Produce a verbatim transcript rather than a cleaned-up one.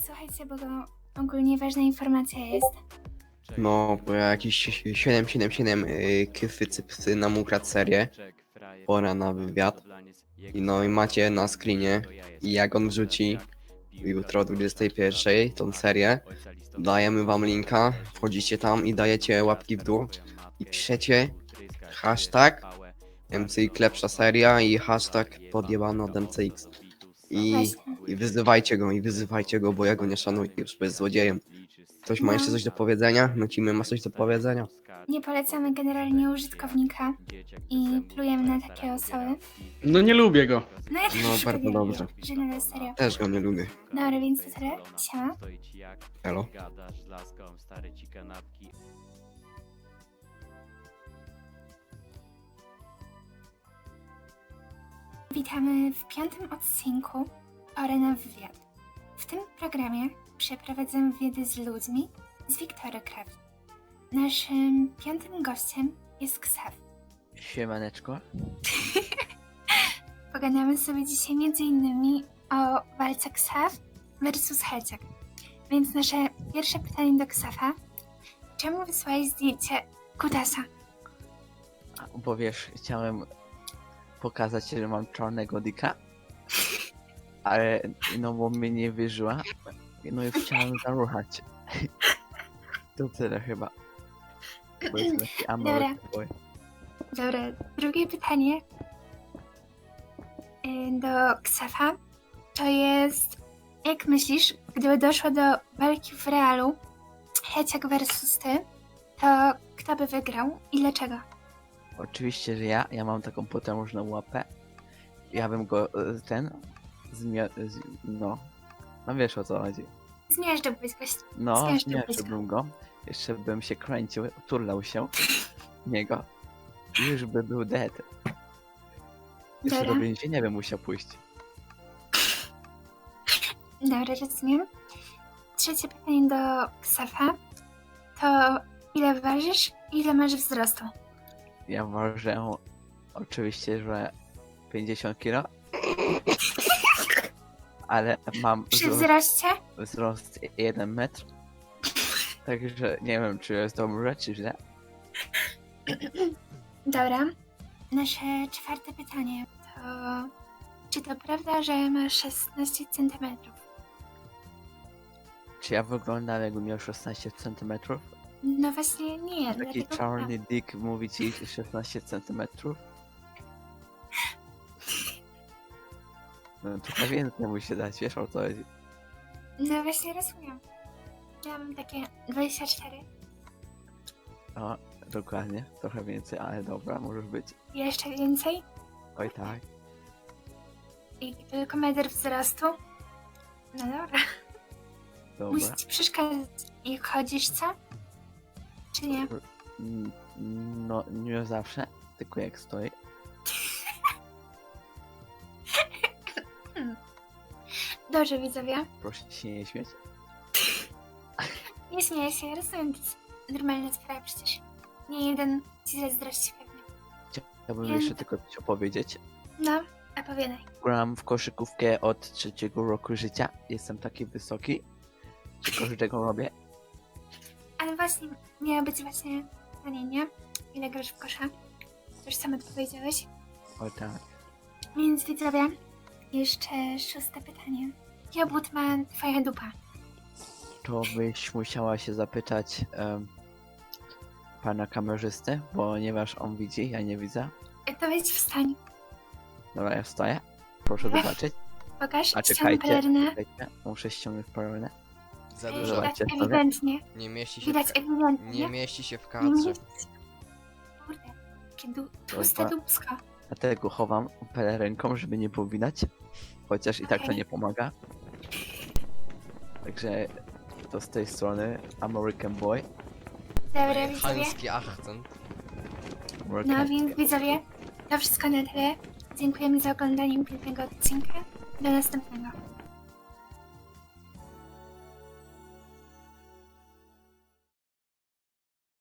słuchajcie, bo to ogólnie ważna informacja jest. No, bo ja jakiś siedem siedem siedem yy, kyfy cypsy nam ukradł serię. Pora na wywiad. I no i macie na screenie. I jak on wrzuci jutro o dwudziestej pierwszej tą serię, dajemy wam linka, wchodzicie tam i dajecie łapki w dół. I piszecie hashtag M C X lepsza seria i hashtag podjebany od M C X. I, Właśnie. I wyzywajcie go, i wyzywajcie go, bo ja go nie szanuję już, bo jest złodziejem. Ktoś ma No. jeszcze coś do powiedzenia? Nucimy ma coś do powiedzenia? Nie polecamy generalnie użytkownika i plujemy na takie osoby. No nie lubię go. No ja też No, już bardzo lubię, dobrze. że na serio. Też go nie lubię. Dobra, więc to tyle. Siema. Elo. Witamy w piątym odcinku Pora na wywiad. W tym programie przeprowadzam wywiady z ludźmi z Wiktory Craft. Naszym piątym gościem jest Ksaw. Siemaneczko. Pogadamy sobie dzisiaj między innymi o walce Ksaw versus Heciak. Więc nasze pierwsze pytanie do Ksafa. Czemu wysłałeś zdjęcie kutasa? Bo wiesz, chciałem pokazać, że mam czarnego dika, ale no bo mnie nie wyżyła, no i chciałem zaruchać. To tyle chyba. Bo jest taki American boy. Dobra, drugie pytanie y, do Ksafa to jest, jak myślisz, gdyby doszło do walki w realu Heciak versus ty, to kto by wygrał i dlaczego? Oczywiście, że ja, ja mam taką potężną łapę. Ja bym go e, ten zmia... z- no. No wiesz o co chodzi. Zmiażdżyłbyś goś. No, Zmiażdżyłbyś go. zmiażdżyłbym go. Jeszcze bym się kręcił, turlał się w niego. I już by był dead. Jeszcze Dobra. do więzienia bym musiał pójść. Dobra, rozumiem. Trzecie pytanie do Ksafa to ile ważysz i ile masz wzrostu? Ja ważę oczywiście, że pięćdziesiąt kilo. Ale mam Przy wzrost, wzroście? wzrost jeden metr. Także nie wiem, czy jest dobrze, czy źle. Dobra. Nasze czwarte pytanie to czy to prawda, że masz szesnaście centymetrów? Czy ja wyglądam, jakbym miał szesnaście centymetrów? No właśnie nie, Taki dlatego czarny dick mówi ci szesnaście centymetrów? No trochę więcej musi dać, wiesz o co chodzi. No właśnie rozumiem. Ja mam takie dwadzieścia cztery. No, dokładnie, trochę więcej, ale dobra, możesz być. Jeszcze więcej? Oj tak. I tylko metr wzrostu? No dobra. Dobra. Musi ci przeszkadzać. Jak chodzisz, co? Czy nie? Mm, No, nie zawsze, tylko jak stoi. Dobrze, widzowie. Proszę się nie śmieć. Nie śmieję się, rozumiem, to jest normalna sprawa przecież. Nie jeden ci zazdrości pewnie. Chciałbym Nie. jeszcze tylko coś opowiedzieć. No, opowiadaj. Gram w koszykówkę od trzeciego roku życia. Jestem taki wysoki, że każdego robię. Ale właśnie, miało być właśnie pytanie, nie? Ile grasz w kosza? To już sam odpowiedziałeś. O tak. Więc widzowie, jeszcze szóste pytanie. Jaki obwód ma twoja dupa? To byś musiała się zapytać em, pana kamerzysty, ponieważ on widzi, ja nie widzę. To wejdź wstań. Dobra, ja wstaję. Proszę Ech. zobaczyć. Pokaż, A ściągnij czekajcie, pelerynę. czekajcie. Muszę ściągnąć pelerynę. Za Ej, dużo. Widać Zobaczcie sobie. ewidentnie. Nie mieści się Widać w, ewidentnie. nie mieści się w Nie kadrze. mieści się. Kurde, jakie du- tłuste Dobra. dupsko. Dlatego chowam pelerynką, żeby nie było widać. Chociaż i tak to Okej. nie pomaga. Także to z tej strony American Boy. Dobra, widzowie. Chamski akcent. American No więc widzowie, to wszystko na tyle. Dziękujemy za oglądanie pięknego odcinka. Do następnego.